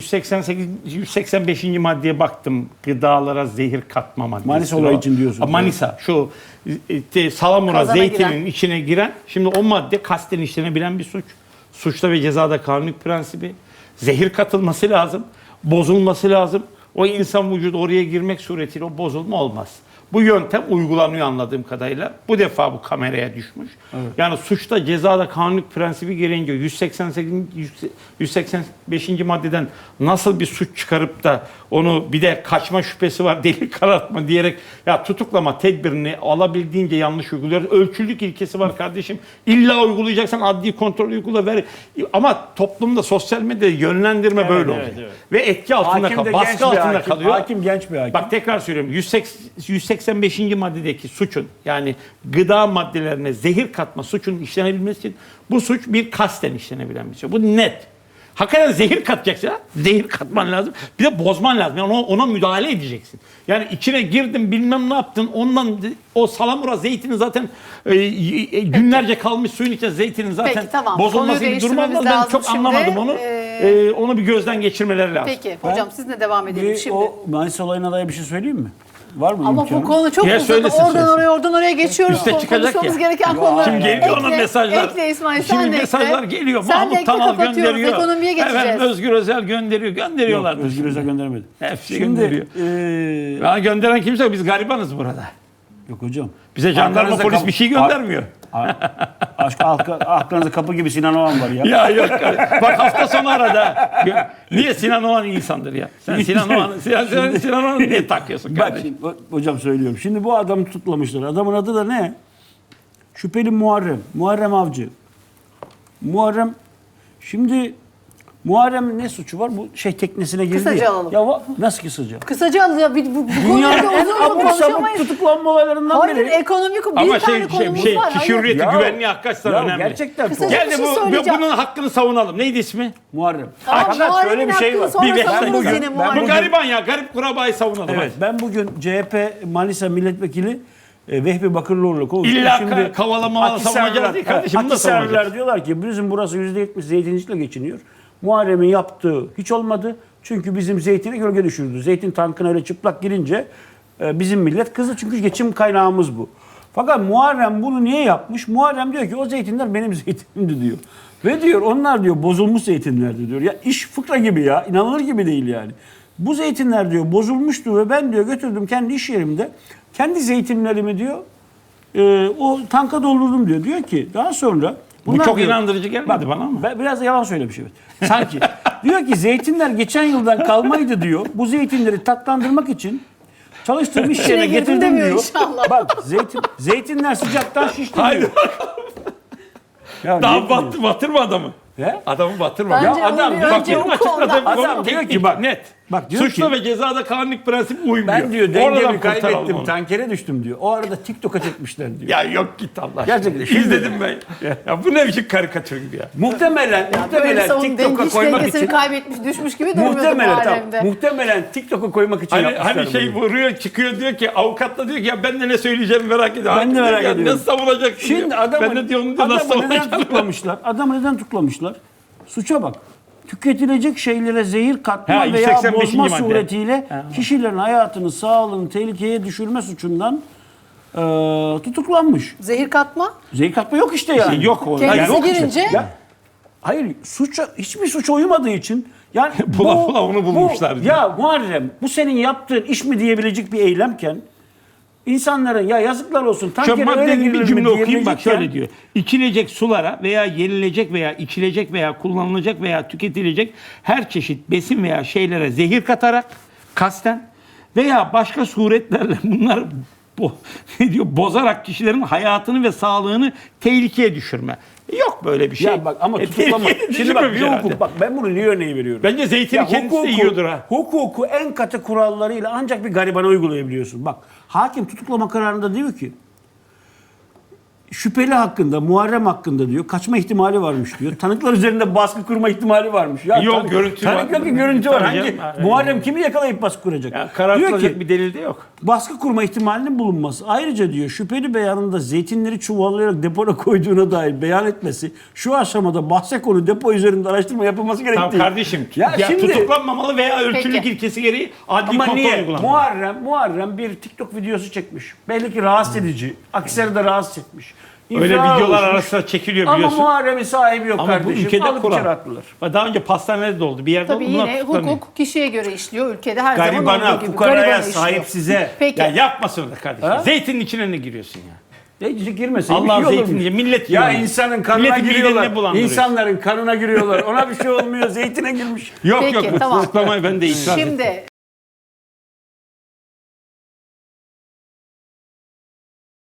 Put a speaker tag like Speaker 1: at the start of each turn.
Speaker 1: 185. maddeye baktım. Gıdalara zehir katma maddesi.
Speaker 2: Manisa olayı için diyorsun.
Speaker 1: Manisa şu salamura
Speaker 3: Kazana
Speaker 1: zeytinin
Speaker 3: giren.
Speaker 1: içine giren. Şimdi o madde kasten işlenebilen bir suç. Suçta ve cezada kanunluk prensibi. Zehir katılması lazım. Bozulması lazım. O insan vücudu oraya girmek suretiyle o bozulma olmaz. Bu yöntem uygulanıyor anladığım kadarıyla. Bu defa bu kameraya düşmüş. Evet. Yani suçta cezada kanunluk prensibi gereğince 185. maddeden nasıl bir suç çıkarıp da onu bir de kaçma şüphesi var, delil karartma diyerek ya tutuklama tedbirini alabildiğince yanlış uyguluyoruz. Ölçülük ilkesi var kardeşim. İlla uygulayacaksan adli kontrol uygula ver. Ama toplumda sosyal medyada yönlendirme böyle oluyor. Evet. Ve etki altında kalıyor. Baskı altında kalıyor.
Speaker 2: Hakim genç bir hakim.
Speaker 1: Bak tekrar söylüyorum. 185. maddedeki suçun yani gıda maddelerine zehir katma suçunun işlenebilmesi için bu suç bir kasten işlenebilen bir şey. Bu net. Hakikaten zehir katacaksın. Zehir katman lazım. Bir de bozman lazım. Yani ona müdahale edeceksin. Yani içine girdin bilmem ne yaptın. Ondan o salamura zeytinin zaten günlerce kalmış suyun içinde zeytinin zaten
Speaker 3: peki, tamam.
Speaker 1: bozulması gibi durum olmaz. Ben çok
Speaker 3: şimdi.
Speaker 1: anlamadım onu. Onu bir gözden geçirmeleri lazım.
Speaker 3: Peki hocam sizinle devam edelim şimdi.
Speaker 2: O Manisa olayına dair bir şey söyleyeyim mi? Var mı
Speaker 3: Ama
Speaker 2: imkanı?
Speaker 3: bu konu çok uzun. Oradan oraya geçiyoruz.
Speaker 1: Üste çıkacak
Speaker 3: Konuşmamız
Speaker 1: ya.
Speaker 3: gereken konular.
Speaker 1: Şimdi geliyor ona mesajlar.
Speaker 3: Ekle İsmail
Speaker 1: Şimdi
Speaker 3: sen de
Speaker 1: mesajlar
Speaker 3: ekle.
Speaker 1: geliyor.
Speaker 3: Sen de
Speaker 1: Mahmut
Speaker 3: ekle,
Speaker 1: Tanal
Speaker 3: kapatıyoruz.
Speaker 1: gönderiyor.
Speaker 3: Ekonomiye geçeceğiz.
Speaker 1: Efendim Özgür Özel gönderiyorlar.
Speaker 2: Yok, Özgür Özel göndermedi.
Speaker 1: Hepsi
Speaker 2: Şimdi,
Speaker 1: gönderiyor. Ya gönderen kimse yok. Biz garibanız burada.
Speaker 2: Yok hocam.
Speaker 1: Bize jandarma polis bir şey göndermiyor.
Speaker 2: Aklınızda kapı gibi Sinan Oğan var ya.
Speaker 1: Ya yok. Bak hafta sonu arada. Niye Sinan Oğan insandır ya? Sen Sinan Oğan'ı niye takıyorsun
Speaker 2: Bak
Speaker 1: kardeşim?
Speaker 2: şimdi, hocam söylüyorum. Şimdi bu adamı tutuklamışlar. Adamın adı da ne? Şüpheli Muharrem. Muharrem Avcı. Muharrem şimdi Muharrem ne suçu var? Bu teknesine girdi.
Speaker 3: Kısaca
Speaker 2: ya.
Speaker 3: alalım.
Speaker 2: Ya nasıl kısaca?
Speaker 3: Kısaca alacağım. Bu
Speaker 2: Dünyanın
Speaker 3: konuda
Speaker 2: en
Speaker 3: uzun uzun
Speaker 2: abuk sabuk
Speaker 3: konuşamayız.
Speaker 2: tutuklanma olaylarından
Speaker 3: Hayır
Speaker 2: biri.
Speaker 3: ekonomik bir
Speaker 1: Ama
Speaker 3: tane konumuz var.
Speaker 1: kişi
Speaker 3: Hayır.
Speaker 1: hürriyeti,
Speaker 2: Ya-
Speaker 1: güvenliği hakikaten
Speaker 2: Ya
Speaker 1: önemli.
Speaker 2: gerçekten
Speaker 3: Kısaca-
Speaker 1: Gel
Speaker 3: Bir
Speaker 1: de
Speaker 3: şey söyleyeceğim.
Speaker 1: bunun hakkını savunalım. Neydi ismi?
Speaker 2: Muharrem.
Speaker 3: Tamam,
Speaker 2: Fakat
Speaker 3: Muharrem'in
Speaker 2: şöyle bir şey var.
Speaker 3: hakkını sonra
Speaker 1: Bir
Speaker 3: savunuruz
Speaker 1: ben
Speaker 3: yine
Speaker 1: bu
Speaker 3: Muharrem.
Speaker 1: gariban ya. Garip kurabayı savunalım.
Speaker 2: Evet, ben bugün CHP Manisa Milletvekili Vehbi Bakırlıoğlu'yla konuştum.
Speaker 1: İlla kavalama savunacağız değil kardeşim. Bunu da savunacağız.
Speaker 2: Akhisarlılar diyorlar ki bizim burası %70 zeytincilikle geçiniyor. Muharrem'in yaptığı hiç olmadı. Çünkü bizim zeytine gölge düşürdü. Zeytin tankına öyle çıplak girince bizim millet kızdı. Çünkü geçim kaynağımız bu. Fakat Muharrem bunu niye yapmış? Muharrem diyor ki o zeytinler benim zeytinimdi diyor. Ve diyor onlar diyor bozulmuş zeytinlerdi diyor. Ya iş fıkra gibi ya. İnanılır gibi değil yani. Bu zeytinler diyor bozulmuştu ve ben diyor götürdüm kendi iş yerimde. Kendi zeytinlerimi diyor o tanka doldurdum diyor. Diyor ki daha sonra
Speaker 1: Bu çok
Speaker 2: diyor,
Speaker 1: inandırıcı gelmedi bana ama.
Speaker 2: Ben biraz da yalan söylemiş evet. Sanki. Diyor ki zeytinler geçen yıldan kalmaydı diyor. Bu zeytinleri tatlandırmak için çalıştığım iş yerine
Speaker 3: girdim
Speaker 2: getirdim
Speaker 3: demiyor
Speaker 2: diyor.
Speaker 3: inşallah.
Speaker 2: Bak zeytinler sıcaktan şişti diyor.
Speaker 1: Haydi
Speaker 2: Ya
Speaker 1: daha
Speaker 2: ne bileyim.
Speaker 1: batırma adamı.
Speaker 2: He?
Speaker 1: Adamı batırma.
Speaker 3: Bence
Speaker 1: Ya
Speaker 3: onu
Speaker 1: adam
Speaker 3: bir
Speaker 1: bak
Speaker 3: önce
Speaker 1: benim
Speaker 3: oku
Speaker 1: açıkladığım
Speaker 3: ondan.
Speaker 1: konu
Speaker 2: Adam diyor
Speaker 1: teknik,
Speaker 2: ki bak,
Speaker 1: net.
Speaker 2: bak diyor
Speaker 1: Suçla
Speaker 2: ki-
Speaker 1: ve cezada kanunluk prensibi uymuyor.
Speaker 2: Ben diyor
Speaker 1: Oradan
Speaker 2: dengemi
Speaker 1: kurtaralım
Speaker 2: kaybettim,
Speaker 1: onu.
Speaker 2: tankere düştüm diyor. O arada TikTok'a çekmişler diyor.
Speaker 1: Ya yok git Allah aşkına.
Speaker 2: Gerçekten. Şimdi-
Speaker 1: İzledim ben. Ya bu ne biçim karikatür gibi ya.
Speaker 2: Muhtemelen
Speaker 3: Böyle savun
Speaker 2: TikTok'a
Speaker 3: hiç
Speaker 2: koymak
Speaker 3: dengesini
Speaker 2: için
Speaker 3: kaybetmiş düşmüş gibi durmuyordu
Speaker 2: muhtemelen
Speaker 3: Muharrem'de.
Speaker 2: muhtemelen TikTok'a koymak için yapmışlar
Speaker 1: Hani şey
Speaker 2: bunu.
Speaker 1: vuruyor çıkıyor diyor ki avukatla diyor ki ya ben de ne söyleyeceğimi merak ediyorum.
Speaker 2: Ben de merak
Speaker 1: Ya
Speaker 2: ediyorum.
Speaker 1: nasıl savunacaksın
Speaker 2: Şimdi
Speaker 1: diyor.
Speaker 2: adamı,
Speaker 1: Ben de diyorum diyor nasıl
Speaker 2: adamı neden
Speaker 1: savunacaksın.
Speaker 2: tutuklamışlar? Adamı neden tutuklamışlar? Suça bak. Tüketilecek şeylere zehir katma
Speaker 1: Ha,
Speaker 2: veya
Speaker 1: 185.
Speaker 2: bozma
Speaker 1: madde.
Speaker 2: suretiyle kişilerin hayatını, sağlığını tehlikeye düşürme suçundan tutuklanmış.
Speaker 3: Zehir katma.
Speaker 2: Zehir katma yok işte yani.
Speaker 1: Yok o.
Speaker 3: Kendisi
Speaker 1: yok işte.
Speaker 3: girince
Speaker 2: Hayır, hiçbir suça uymadığı için yani
Speaker 1: Bula onu bulmuşlar diyor.
Speaker 2: Ya Muharrem bu senin yaptığın iş mi diyebilecek bir eylemken insanların ya yazıklar olsun
Speaker 1: Şu
Speaker 2: tankere öyle
Speaker 1: maddenin bir
Speaker 2: girilir mi
Speaker 1: cümle okuyayım bak
Speaker 2: diyebilecekken-
Speaker 1: şöyle diyor. İçilecek sulara veya yenilecek veya içilecek veya kullanılacak veya tüketilecek her çeşit besin veya şeylere zehir katarak kasten veya başka suretlerle bunları ne diyor bozarak kişilerin hayatını ve sağlığını tehlikeye düşürme. Yok böyle bir şey.
Speaker 2: Ya bak ama tutuklama.
Speaker 1: Tehlikeye
Speaker 2: Şimdi bak bir
Speaker 1: düşürmemiş herhalde.
Speaker 2: hukuk bak ben bunu niye örneği veriyorum?
Speaker 1: Bence zeytini kendisi de yiyordur ha.
Speaker 2: Hukuku en katı kurallarıyla ancak bir garibana uygulayabiliyorsun. Bak hakim tutuklama kararında diyor ki şüpheli hakkında, Muharrem hakkında diyor. Kaçma ihtimali varmış diyor. Tanıklar üzerinde baskı kurma ihtimali varmış. Ya
Speaker 1: Yok, görüntü var.
Speaker 2: Tanık yok ki, görüntü var.
Speaker 1: Tabii
Speaker 2: Hangi
Speaker 1: canım.
Speaker 2: Muharrem kimi yakalayıp baskı kuracak?
Speaker 1: Ya,
Speaker 2: Diyor
Speaker 1: karartılacak
Speaker 2: ki
Speaker 1: bir delil de yok.
Speaker 2: baskı kurma ihtimalinin bulunması. Ayrıca diyor şüpheli beyanında zeytinleri çuvallayarak depona koyduğuna dair beyan etmesi şu aşamada bahse konu depo üzerinde araştırma yapılması gerektiği.
Speaker 1: Tamam kardeşim.
Speaker 2: Ya
Speaker 1: Ya
Speaker 2: şimdi-
Speaker 1: tutuklanmamalı veya ölçülük
Speaker 3: Peki.
Speaker 1: ilkesi gereği adli
Speaker 2: Ama
Speaker 1: kontrol
Speaker 2: niye?
Speaker 1: uygulanmalı.
Speaker 2: Muharrem bir TikTok videosu çekmiş. Belli ki rahatsız edici. Akseri de rahatsız etmiş.
Speaker 1: Öyle
Speaker 2: İftira
Speaker 1: videolar
Speaker 2: oluşmuş.
Speaker 1: arasında çekiliyor
Speaker 2: Ama
Speaker 1: biliyorsun.
Speaker 2: Muharrem'in sahibi yok
Speaker 1: Ama bu
Speaker 2: kardeşim.
Speaker 1: ülkede
Speaker 2: Alıp
Speaker 1: kural.
Speaker 2: içeri attılar.
Speaker 1: Daha önce pastanede de oldu. Bir yerde
Speaker 3: Tabii
Speaker 1: bunlar
Speaker 3: yine
Speaker 1: tutuklanıyor.
Speaker 3: hukuk kişiye göre işliyor. Ülkede her zaman
Speaker 2: Garibana,
Speaker 3: olduğu gibi.
Speaker 2: fukaraya,
Speaker 3: Garibana işliyor.
Speaker 2: sahipsize.
Speaker 3: Peki.
Speaker 1: Ya yapmasın da kardeşim.
Speaker 2: Ha?
Speaker 1: Zeytinin içine ne giriyorsun ya?
Speaker 2: Zeytincilik girmesin.
Speaker 1: Allah
Speaker 2: bir şey olur mu?
Speaker 1: zeytinci, millet
Speaker 2: Ya
Speaker 1: yiyor.
Speaker 2: insanın kanına
Speaker 1: Milletin midelerine
Speaker 2: giriyorlar.
Speaker 1: bulandırıyorsun.
Speaker 2: İnsanların kanına giriyorlar. Ona bir şey olmuyor. Zeytine girmiş.
Speaker 1: Yok
Speaker 3: Peki,
Speaker 1: yok bu
Speaker 3: tamam.
Speaker 1: tutuklamayı ben de itiraz ettim.
Speaker 3: Şimdi